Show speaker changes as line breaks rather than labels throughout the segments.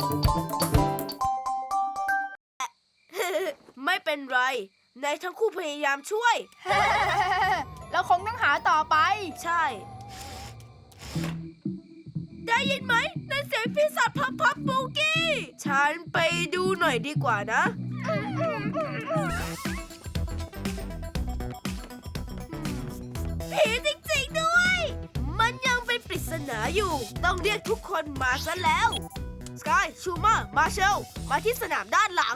ไม่เป็นไรนายทั้งคู่พยายามช่วย
เราคงต้องหาต่อไป
ใช่ ได้ยินไหมนั่นเสียงปีศาจพับบูกี้ฉันไปดูหน่อยดีกว่านะ ผีจริงๆด้วย มันยังเป็นปริศนาอยู่ ต้องเรียกทุกคนมาซะแล้ว สกาย ชูมา มาเชล มาที่สนามด้านหลัง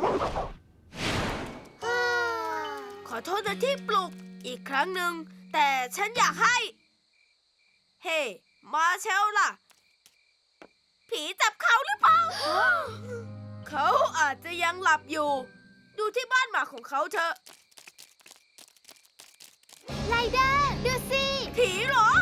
ขอโทษนะที่ปลุกอีกครั้งหนึ่ง แต่ฉันอยากให้ เฮ้ มาเชลล่ะ ผีจับเขาหรือเปล่า เขาอาจจะยังหลับอยู่ ดูที่บ้านหมาของเขาเถอะ
ไรเดอร์ดูสิ
ผีเหรอ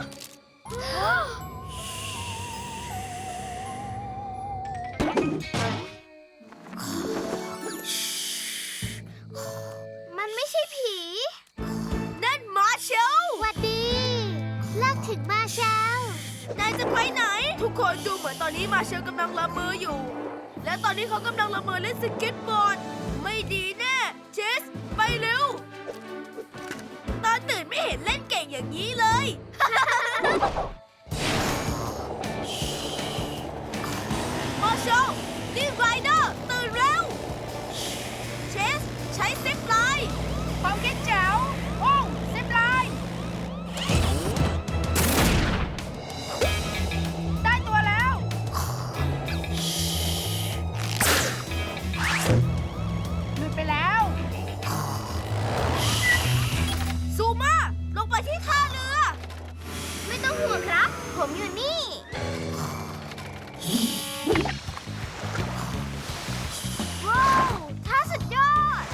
มันไม่ใช่ผี
นั่นมาเชล
หวัดดีเลิกถึงมาเช้าน
ายจะไปไหน ทุกคนดูเหมือนตอนนี้มาเชลกำลังละเมออยู่ และตอนนี้เขากำลังละเมอเล่นสเก็ตบอร์ด ไม่ดีแน่เจส ไปเร็ว ตอนตื่นไม่เห็นเล่นเก่งอย่างนี้เลย มาเชลนี่ไรเดอร์ตื่นเร็ว เชส ใช้ซิปไลน์
ความคิดแจ๋วโอ้ซิปไลน์ได้ตัวแล้ว หลุดไปแล้ว
ซูมาลงไปที่ท่าเรือ
ไม่ต้องห่วงครับ ผมอยู่นี่ ว้าวท่าสุดยอด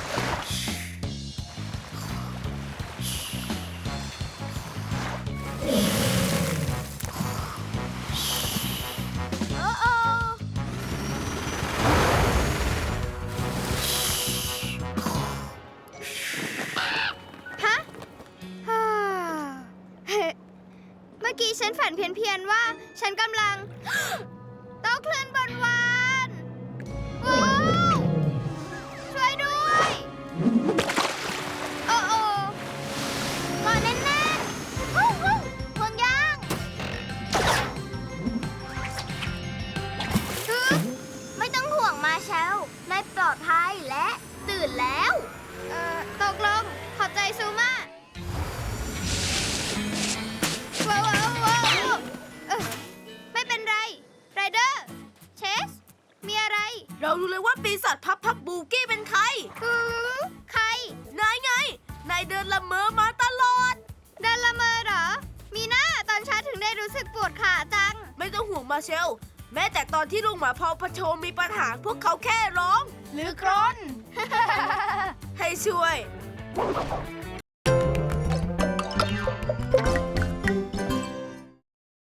โอ้โอฮะ ฮ่าเมื่อกี้ฉันฝันเพี้ยนๆว่า ฉันกำลัง โต๊ะเคลื่อนบนวานว้าวช่วยด้วย โอ้โอ้กอดแน่นๆฮู้ฮู้ห่วงยางฮึไม่ต้องห่วงมาเชลนายปลอดภัยและตื่นแล้ว ตกลง ขอบใจซูมาว้าวว้าวว้าวไม่เป็นไร ไรเดอร์ เชส มีอะไร
เรารู้เลยว่าปีศาจพับบูกี้เป็นใคร
ใคร
นายไง นายเดินละเมอมาตลอด
เดินละเมอเหรอ มีหน้าตอนเช้าถึงได้รู้สึกปวดขาจัง
ไม่ต้องห่วงมาเชล แม้แต่ตอนที่ลุงหมาพอพะโชมีปัญหาพวกเขาแค่ร้อง
หรือกรน
ให้ช่วย